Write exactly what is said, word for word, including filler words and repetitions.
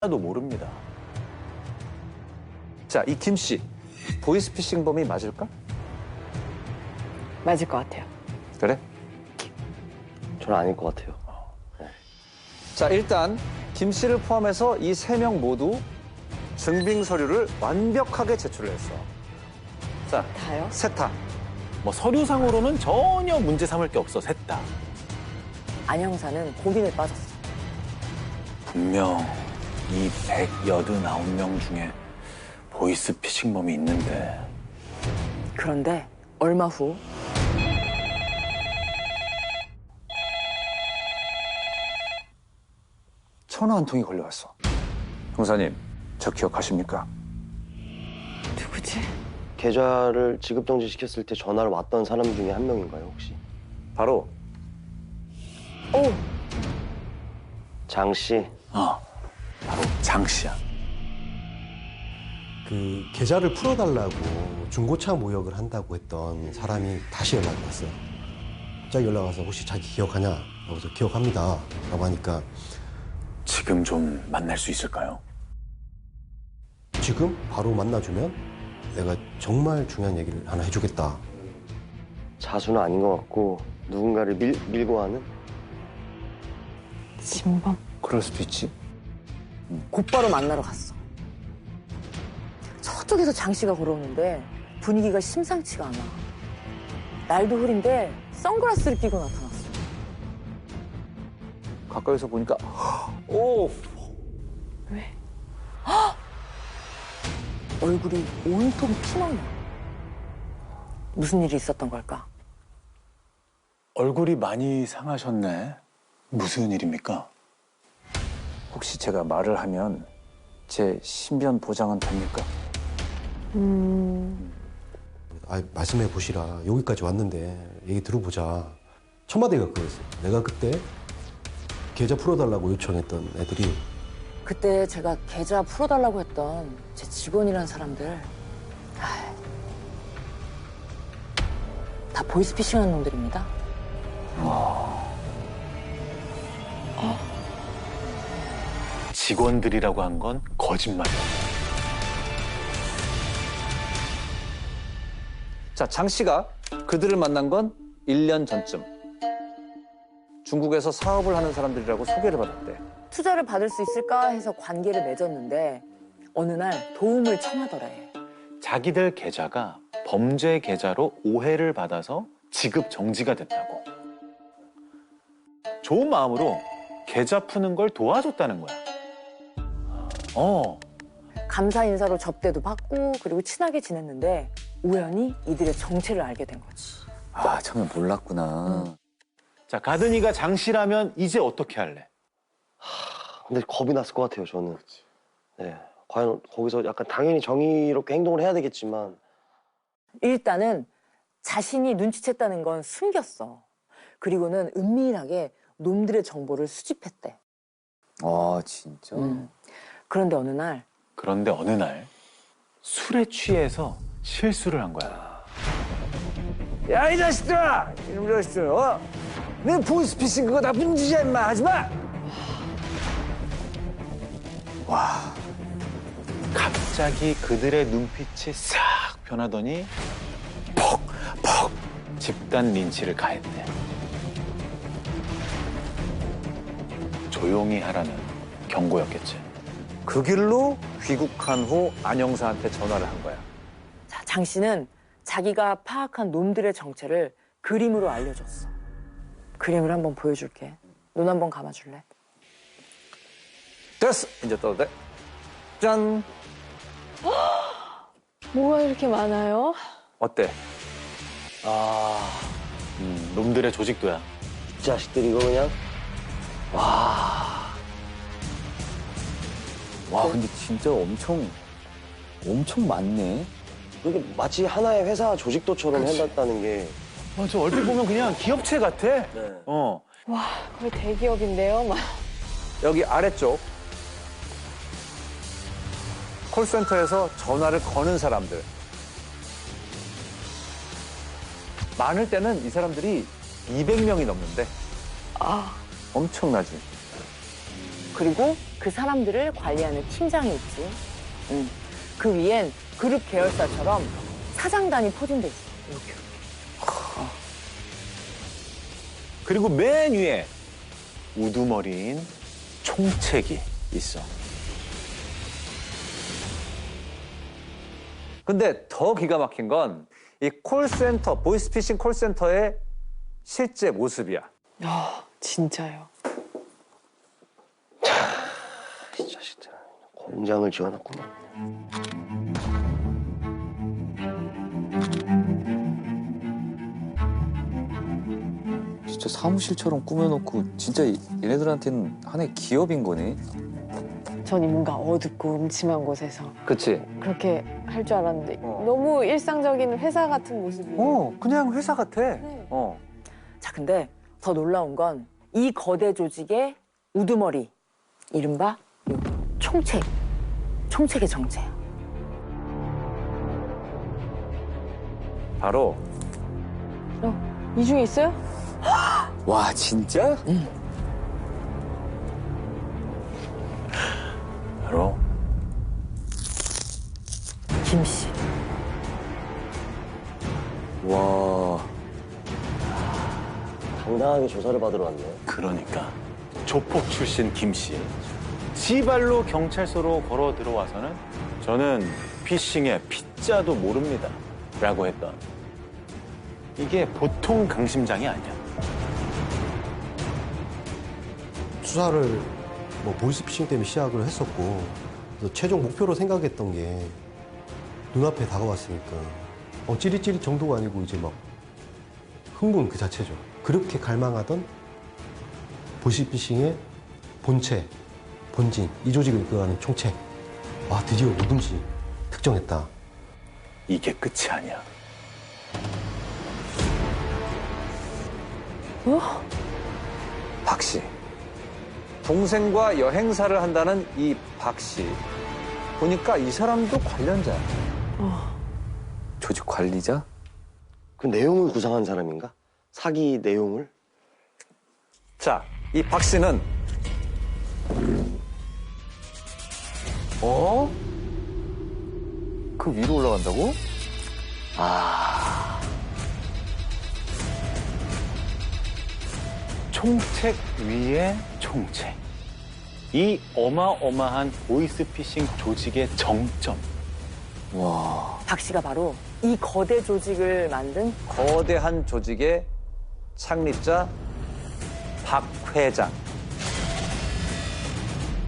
하나도 모릅니다. 자, 이 김 씨, 보이스피싱범이 맞을까? 맞을 것 같아요. 그래? 저는 아닐 것 같아요. 자, 일단 김 씨를 포함해서 이 세 명 모두 증빙 서류를 완벽하게 제출을 했어. 자, 다요? 세타. 뭐 서류상으로는 전혀 문제 삼을 게 없어, 셋 다. 안 형사는 고민에 빠졌어. 분명 이 백팔십구 명 중에 보이스피싱범이 있는데. 그런데 얼마 후 전화 한 통이 걸려왔어. 형사님, 저 기억하십니까? 누구지? 계좌를 지급 정지시켰을 때 전화를 왔던 사람 중에 한 명인가요, 혹시? 바로 오! 장 씨. 어, 바로 장 씨야. 그 계좌를 풀어달라고 중고차 모욕을 한다고 했던 사람이 다시 연락이 왔어요. 갑자기 연락 와서 혹시 자기 기억하냐? 그래서 기억합니다. 라고 하니까 지금 좀 만날 수 있을까요? 지금 바로 만나주면 내가 정말 중요한 얘기를 하나 해주겠다. 자수는 아닌 것 같고 누군가를 밀, 밀고 하는? 진범? 그럴 수도 있지. 곧바로 만나러 갔어. 저쪽에서 장 씨가 걸어오는데 분위기가 심상치가 않아. 날도 흐린데 선글라스를 끼고 나타났어. 가까이서 보니까 오! 왜? 헉! 얼굴이 온통 피멍나. 무슨 일이 있었던 걸까? 얼굴이 많이 상하셨네. 무슨 일입니까? 혹시 제가 말을 하면 제 신변 보장은 됩니까? 음... 아, 말씀해 보시라. 여기까지 왔는데 얘기 들어보자. 첫 마디가 그거였어요. 내가 그때 계좌 풀어달라고 요청했던 애들이 그때 제가 계좌 풀어달라고 했던 제 직원이란 사람들 아이, 다 보이스피싱한 놈들입니다. 직원들이라고 한 건 거짓말이야. 자, 장 씨가 그들을 만난 건 일 년 전쯤. 중국에서 사업을 하는 사람들이라고 소개를 받았대. 투자를 받을 수 있을까 해서 관계를 맺었는데 어느 날 도움을 청하더래. 자기들 계좌가 범죄 계좌로 오해를 받아서 지급 정지가 됐다고. 좋은 마음으로 계좌 푸는 걸 도와줬다는 거야. 어, 감사 인사로 접대도 받고 그리고 친하게 지냈는데 우연히 이들의 정체를 알게 된 거지. 아, 처음에 몰랐구나. 자, 가든이가 장 씨라면 이제 어떻게 할래? 근데 겁이 났을 것 같아요, 저는. 네. 과연 거기서 약간 당연히 정의롭게 행동을 해야 되겠지만 일단은 자신이 눈치챘다는 건 숨겼어. 그리고는 은밀하게 놈들의 정보를 수집했대. 아, 진짜? 음. 그런데 어느 날 그런데 어느 날 술에 취해서 실수를 한 거야. 야, 이 자식들아! 이놈 자식들, 어? 내 보이스피싱 그거 나쁜 짓이야, 임마! 하지 마! 와, 갑자기 그들의 눈빛이 싹 변하더니 퍽, 퍽 집단 린치를 가했대. 조용히 하라는 경고였겠지. 그 길로 귀국한 후 안 형사한테 전화를 한 거야. 자, 장 씨는 자기가 파악한 놈들의 정체를 그림으로 알려줬어. 그림을 한번 보여줄게. 눈 한번 감아줄래? 됐어! 이제 떠도 돼. 짠! 뭐가 이렇게 많아요? 어때? 아, 음, 놈들의 조직도야. 이 자식들 이거 그냥 와, 근데 진짜 엄청, 엄청 많네. 이게 마치 하나의 회사 조직도처럼 해놨다는 게 맞아, 얼핏 보면 그냥 기업체 같아. 네. 어. 와, 거의 대기업인데요. 막. 여기 아래쪽. 콜센터에서 전화를 거는 사람들. 많을 때는 이 사람들이 이백 명이 넘는데. 아, 엄청나지. 그리고 그 사람들을 관리하는 팀장이 있지. 응. 그 위엔 그룹 계열사처럼 사장단이 포진돼 있어. 이렇게. 그리고 맨 위에 우두머리인 총책이 있어. 근데 더 기가 막힌 건 이 콜센터, 보이스피싱 콜센터의 실제 모습이야. 아, 진짜요. 이 자식들 공장을 지어놨구나. 진짜 사무실처럼 꾸며놓고 진짜 얘네들한테는 하나의 기업인 거네. 전 이 뭔가 어둡고 음침한 곳에서 그치? 그렇게 할 줄 알았는데 어. 너무 일상적인 회사 같은 모습이에요. 어, 그냥 회사 같아. 네. 어. 자, 근데 더 놀라운 건 이 거대 조직의 우두머리, 이른바 요 총책, 총책의 정체야. 바로 어, 이 중에 있어요? 와 진짜? 바로 김 씨. 와 당당하게 조사를 받으러 왔네. 그러니까 조폭 출신 김 씨. 지발로 경찰서로 걸어 들어와서는 저는 피싱의 피자도 모릅니다. 라고 했던 이게 보통 강심장이 아니야. 수사를 뭐 보이스피싱 때문에 시작을 했었고 그래서 최종 목표로 생각했던 게 눈앞에 다가왔으니까 어, 찌릿찌릿 정도가 아니고 이제 막 흥분 그 자체죠. 그렇게 갈망하던 보이스피싱의 본체, 본진, 이 조직을 이끌어가는 총책. 와, 드디어 누군지 특정했다. 이게 끝이 아니야. 박 씨. 동생과 여행사를 한다는 이 박 씨. 보니까 이 사람도 관련자야. 조직 관리자? 그 내용을 구상한 사람인가? 사기 내용을? 자, 이 박 씨는 어? 그 위로 올라간다고? 총책 위에 총책. 이 어마어마한 보이스피싱 조직의 정점. 와 박 씨가 바로 이 거대 조직을 만든 거대한 조직의 창립자 박 회장.